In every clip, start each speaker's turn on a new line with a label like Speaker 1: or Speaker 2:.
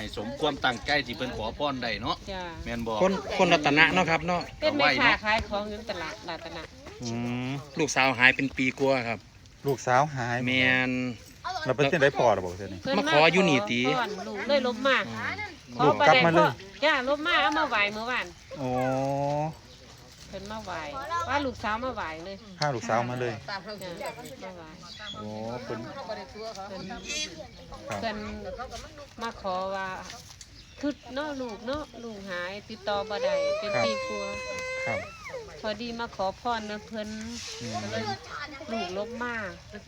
Speaker 1: ให้สมความตั้งใจที่เพิ่นขอพรได้เนาะแม่นบ่
Speaker 2: คนรัตนะเนาะครับเนาะ
Speaker 3: เป็นแม่ค้าขายของอยู่ตลาดรัตนะ
Speaker 2: ลูกสาวหายเป็นปีกว่าครับ
Speaker 4: ลูกสาวหาย
Speaker 2: แม่น
Speaker 4: เราเป็นจังได๋พอหรอบ่เทื่อนี้
Speaker 2: มาขออยู่นี่ติ
Speaker 3: ลูกเลยลบมา
Speaker 4: ลูกกลับมาเลย
Speaker 3: จ้าลบมาเอามาไหว้เมื่อวาน
Speaker 4: โอ้
Speaker 3: เพิ่นมาไหว้ว่าลูกสาวมาไหว้เลย
Speaker 4: พาลูกสาวมาเลย
Speaker 3: มาไหว้
Speaker 4: โอ้เพิ่น
Speaker 3: มาขอว่าคือเนาะลูกหายติดต่อบ่ได้เป็นปีกว่า
Speaker 4: ครับ
Speaker 3: พอดีมาขอพรนะเพิ่นเลยลูกลบมา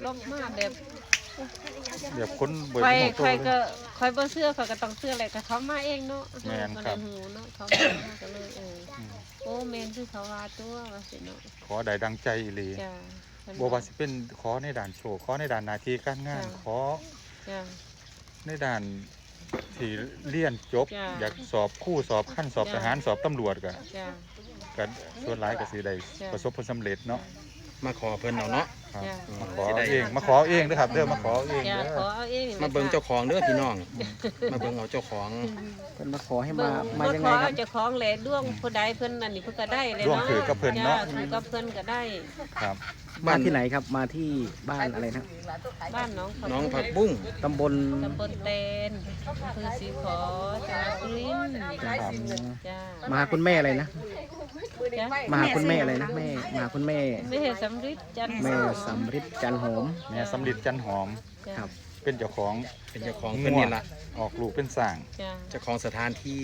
Speaker 3: แบบ
Speaker 4: คนบ่
Speaker 3: ได้ใครก็คอยบ่เชื่อเขาก็ต้องเชื่อแหละแต่เขามาเองเนาะ
Speaker 4: แม่นครับ
Speaker 3: เนาะเขามาก็เลยโอ้แม่นคือเขาว่าตัวว่าสิเนาะ
Speaker 4: ขอได้ดังใจอีหลี
Speaker 3: จ้ะ
Speaker 4: บ่ว่าสิเป็นขอในด้านโชคขอในด้านหน้าที่การงานขอในด้านที่เรียนจบอยากสอบคู่สอบขั้นสอบทหารสอบตำรวจก็ส่วนหลายก็สิได้ประสบผลสำเร็จเนาะ
Speaker 2: มาขอเพิ่นเอาเนาะ
Speaker 4: มาขอเองเด้อครับเด้อมาขอเองเด้
Speaker 2: อมาเบิ่งเจ้าของเด้อพี่น้องมาเบิ่งเอาเจ้าของ
Speaker 5: เพิ่นมาขอให้มายังไงครับ
Speaker 3: เจ้าของแหละด้วงผู้ใดเพิ่นนั่นนี่เพิ่นก็ได้เลย
Speaker 4: เนาะด้วงคือกับเพิ่นเนาะ
Speaker 3: คือกับเพิ่นก็ได้
Speaker 4: ครับ
Speaker 5: บ้านที่ไหนครับมาที่บ้านอะไรนะ
Speaker 3: บ้าน
Speaker 2: น้องผักบุ้ง
Speaker 5: ตำบล
Speaker 3: เตนอำเภอศรีขอจังหวัดสุรินทร์
Speaker 5: มาหาคุณแม่อะไรนะมาหาคุณแม่อะไรนะแม่มาหาคุณแม่
Speaker 3: สำริดจัน
Speaker 5: หอม
Speaker 4: แม่สำริดจันหอม
Speaker 5: ครับ
Speaker 4: เป็นเจ้าของ
Speaker 2: เพิ่นนี่ล่ะ
Speaker 4: ออกลูกเป็นสร้าง
Speaker 2: เจ้าของสถานที่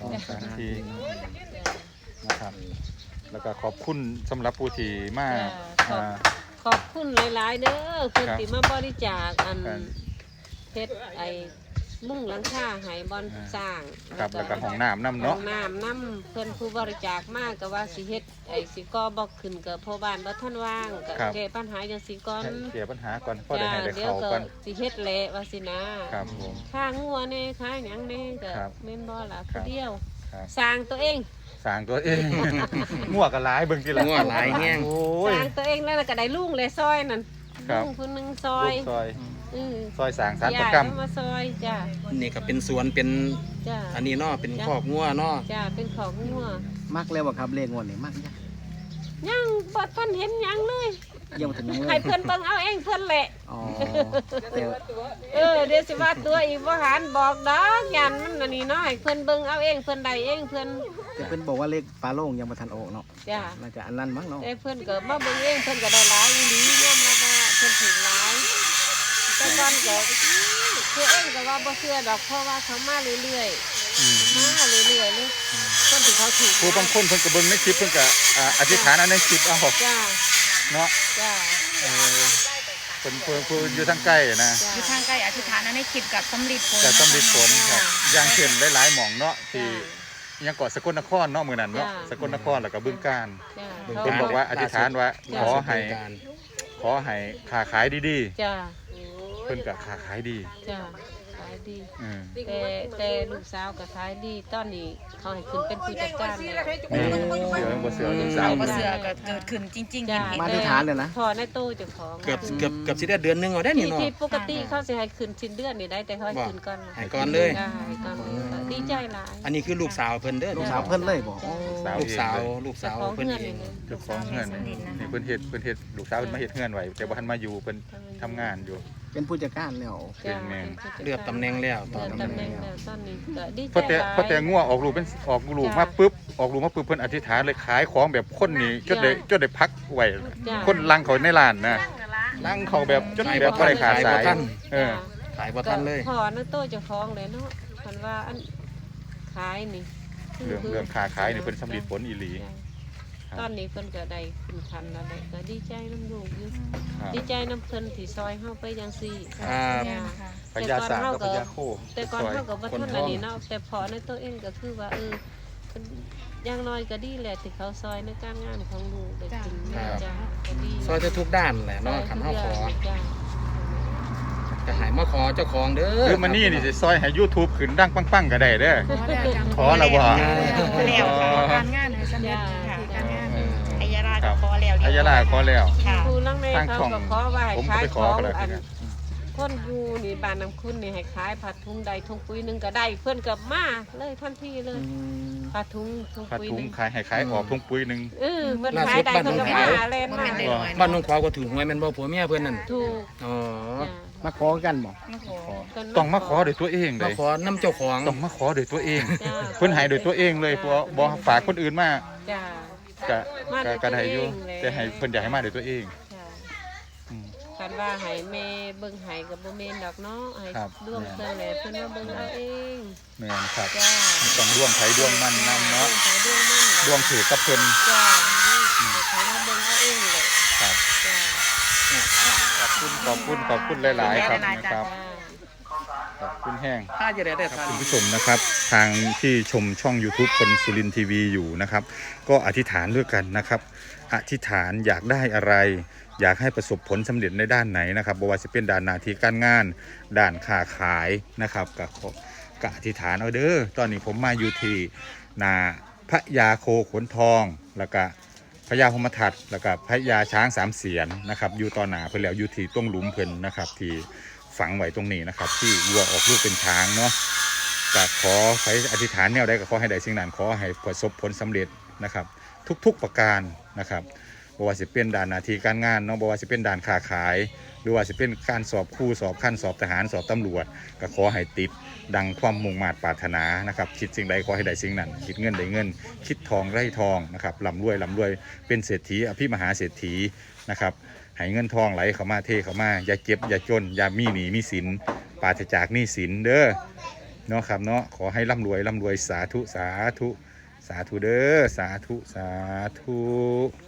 Speaker 4: นะครับแล้วก็ขอบคุณสำหรับผู้ที่มา
Speaker 3: ขอบคุณหลายๆเด้อคุณที่มาบริจาคอันเฮ็ดไอ้มุ่งหลังคาให้บอนสร้าง
Speaker 4: ครับแล้วก็ห้องน้ำนำเนาะ
Speaker 3: ห้องน้ำนำเพิ่นผู้บริจาคมากก็ว่าสิเฮ็ดไอ้สิก่อบ่ขึ้นก็พ่อบ้านบ่ทันว่างก็แก้ปัญหาจังสิก่อน
Speaker 4: แก้ปัญหาก่อนพอได้ให้ได้เข้าก่อน
Speaker 3: สิเฮ็ดแหละว่าสินะครับ
Speaker 4: ผม
Speaker 3: ค่างัวแน่ค่าหยังแน่ก็แม่นบ่ล่ะผู้เดียวสร้างตัวเอง
Speaker 4: งัวก็หลายเบิ่งทีละ
Speaker 2: งัวหลายแฮง
Speaker 3: สร้างตัวเองแล้วก็ได้ลุงเลยซอยนั่นลุงผู้นึงซอย
Speaker 4: สร้างสารประกรรม
Speaker 3: มาซอยจ้ะ
Speaker 2: นี่ก็เป็นสวนเป็นอันนี้เนาะเป็นคอกงัวเนาะ
Speaker 3: จ้ะเป็นคอกงัว
Speaker 5: มักแล้วบ่ครับเลขงวดนี่มัก
Speaker 3: ยังบ่ทันเห็นยังเลย
Speaker 5: ยังบ่ทันยังเลย
Speaker 3: ให้เพิ่นเบิ่งเอาเองเพิ่นแหละ
Speaker 5: อ๋อ
Speaker 3: เดี๋ยวสิว่าตัวอีกบ่หันบอกดอกยันมันอันนี้เนาะให้เพิ่นเบิ่งเอาเองเพิ่นได้เองเพิ่น
Speaker 5: แต่เพิ่นบอกว่าเลขฝาโลงยังบ่ทันออกเนาะ
Speaker 3: จ้ะ
Speaker 5: น่าจะอันนั้นมั้งเนาะ
Speaker 3: เพิ่นก็มาเบิ่งเองเพิ่นก็ได้หลายอีหลียอมรับว่าเพิ่นถูกหลายแต่ก่อนก็คือเองก็ว่าบ่เชื่อดอกเพราะว่าเขามาเรื่อยๆเลยคนที่เขาถูก
Speaker 4: ผู้บางคนเพิ่นก็เบิ่งในคลิปเพิ่นก็อธิษฐานในคลิปเอา
Speaker 3: จ้า
Speaker 4: เนาะ
Speaker 3: จ้า
Speaker 4: เพิ่นอยู่ทางใกล้นะ
Speaker 6: อยู่ทางใกล้อธิษฐานในคลิปกับสำริดผล
Speaker 4: ครับอย่างเช่นหลายๆหม่องเนาะที่ยังเกาะสกลนครเนาะมื้อนั้นเนาะสกลนครแล้วก็บึงกาฬเพิ่นบอกว่าอธิษฐานว่าขอให้ค้าขายดี
Speaker 3: ๆจ้า
Speaker 4: เพิ่นก็ค้าขายดี
Speaker 3: จ้าขายดีแต่ลูกสาวก็ขายดีตอนนี้เขาให้ขึ้นเป็นผู้จัดการแล้ว
Speaker 4: บ่เสือลูกสาว
Speaker 6: บ่เสือก็เกิดขึ้นจริงๆ
Speaker 5: มาที่ฐานเลยนะ
Speaker 3: พอในตู้เจ้าของ
Speaker 2: เกือบสิได้เดือนนึงเอาได้นี่เนาะ
Speaker 3: ที่ปกติเขาสิให้ขึ้นสิ้นเดือนนี่ได้แต่เขาให้ขึ้นก่อน
Speaker 2: ให้ก่อนเลย
Speaker 3: ดีใจหลาย
Speaker 2: อันนี้คือลูกสาวเพิ่นเด้อ
Speaker 5: ลูกสาวเพิ่นเลยบ่
Speaker 2: ลูกสาวเพิ่นเอง
Speaker 4: เจ้าของเฮือนนี่เพิ่นเฮ็ดลูกสาวเพิ่นมาเฮ็ดเฮือนไว้แต่บ่ทันมาอยู่เพิ่นทำงานอยู่
Speaker 5: เป็นผู้จัดการแล้ว
Speaker 4: เป็นแม่
Speaker 2: เลือกตำแหน่งแล้ว
Speaker 3: ตอนนี้ตอนนี้ก็ดีใจ
Speaker 4: พอแต่งัวออกลูกมาปุ๊บเพิ่นอธิษฐานเลยขายของแบบคนนี้จนได้พักไว้คนลังเขาในร้านนะลังเขาแบบจนแบบบ่ได้ขาดสาย
Speaker 2: ขายบ่ทันเลย
Speaker 3: พอในตู้เจ้าของเลยเนาะเพิ่นว่าอันขายนี่
Speaker 4: เรื่องค้าขายนี่เพิ่นสำลิดผลอีหลี
Speaker 3: ตอนนี้เพิ่นก็ได้ขึ้นคันแล้วก็ดีใจน้ำลูกอยู่ดีใจน้ำเพิ่นที่ซอยเฮาไปจังซี่
Speaker 4: พญาสากับพญาโค
Speaker 3: แต่ก่อนเฮาก็บ่ทันอันนี้เนาะแต่พอในตัวเองก็คือว่าอย่างน้อยก็ดีแหละที่เขาซอยในการงานของลูกได้กินจ้าก็ดี
Speaker 2: ซอยทุกด้านแหละเนาะคันเฮาขอจะให้มาขอเจ้าของเด้อ
Speaker 4: คือมันนี่สิซอยให้ YouTube ขึ้นดังปังๆก็ได้เด้อขอแล้วบ่
Speaker 6: แล้วการงานให้สำเร็จค่ะการงานอัยราขอแล้ว
Speaker 4: อัยราขอแล้ว
Speaker 3: ผู้ลังในเขาก็ขอไว้ขายของอันคนอยู่นี่บ้านน้ำคุณนี่ให้ขายผ้าถุงใดถุงปุ๋ยหนึงก็ได้เพิ่นก็มาเลยทันทีเลยผ้าถุง
Speaker 4: ผ้า
Speaker 3: ปุ๋ย
Speaker 4: ถุ
Speaker 3: ห
Speaker 4: ง
Speaker 3: นึง
Speaker 4: ขายให้ขายออกถุงปุ๋ยหนึง
Speaker 3: เเพิ่นขายได้เพิ่นก็มาเล่นมา
Speaker 2: บ้านน้องขวาวก็ถูกหวยแม่นบ่ผัวเมียเพิ่นนั่น
Speaker 3: ถูก
Speaker 2: อ๋อ
Speaker 3: จ้ะ
Speaker 5: มาขอกันบ่
Speaker 3: เพิ่น
Speaker 4: ต้องมาขอด้วยตัวเองเล
Speaker 2: มาย ขอน้ำเจ้าของ
Speaker 4: ต้องมาขอด้วยตัวเอง
Speaker 3: จ้ะ
Speaker 4: เพิ่นให้ด้วยตัวเองเลยเพราะบ่ฝากคนอื่นมา
Speaker 3: จ้า
Speaker 4: ก็
Speaker 3: มาด้วย
Speaker 4: ก็ได้อยู่
Speaker 3: ตัวเองเลย
Speaker 4: แต่ให้เพิ่นอยากให้มาด้วยตัวเอง
Speaker 3: จ้า
Speaker 4: อืม
Speaker 3: คันว่าให้แม่เบิ่งให้ก็บ่แม่นดอกเนาะให้
Speaker 4: ครับ
Speaker 3: ร่วมเพิ่นแหละเพิ่นมาเบิ่งเอาเอง
Speaker 4: แม่นครับ
Speaker 3: จ้า
Speaker 4: ต้องดวงไผดวงมันนำเนาะ
Speaker 3: ใช้ดวงมัน
Speaker 4: ดวงถือกับเพิ่น
Speaker 3: จ้าเขามาเบิ่งเอาเองเลย
Speaker 4: ครับ
Speaker 3: จ้า
Speaker 4: ขอบคุณหลายๆครับนะครับ ขอบคุณแห้ง
Speaker 2: ถ้าจะได้ทาน
Speaker 4: คุณผู้ชมนะครับทางที่ชมช่อง YouTube คนสุรินทร์ทีวีอยู่นะครับก็อธิษฐานด้วยกันนะครับอธิษฐานอยากได้อะไร อยากให้ประสบผลสำเร็จในด้านไหนนะครับบ่ว่าจะเป็นด้านหน้าที่การงานด้านค้าขายนะครับก็อธิษฐานเอาเด้อตอนนี้ผมมาอยู่ที่นาพระยาโคขนทองแล้วก็พระยาพมทัตแล้วก็พระยาช้างสามเสียนนะครับอยู่ต่อหน้าเพิ่นแล้วอยู่ที่ตรงหลุมเพิ่นนะครับที่ฝังไว้ตรงนี้นะครับที่วัวออกลูกเป็นช้างเนาะก็ขอให้อธิษฐานแนวใดก็ขอให้ได้สิ่งนั้นขอให้ประสบผลสำเร็จนะครับทุกๆประการนะครับบ่ว่าสิเป็นด้านหน้าที่การงานเนาะบ่ว่าสิเป็นด้านค้าขายหรือว่าสิเป็นการสอบครูสอบขั้นสอบทหารสอบตำรวจก็ขอให้ติดดังความมุ่งมา่ปรารถนานะครับคิดสิ่งใดขอให้ได้สิ่งนั้นคิดเงินได้เงินคิดทองได้ทองนะครับร่ำรวยเป็นเศรษฐีอภิมหาเศรษฐีนะครับให้เงินทองไหลเข้ามาเทเข้ามาอย่าเก็บอย่าจนอย่ามีหนี้มีสินปราศจากหนี้สินเด้อเนาะครับเนาะขอให้ร่ำรวยสาธุเด้อสาธุ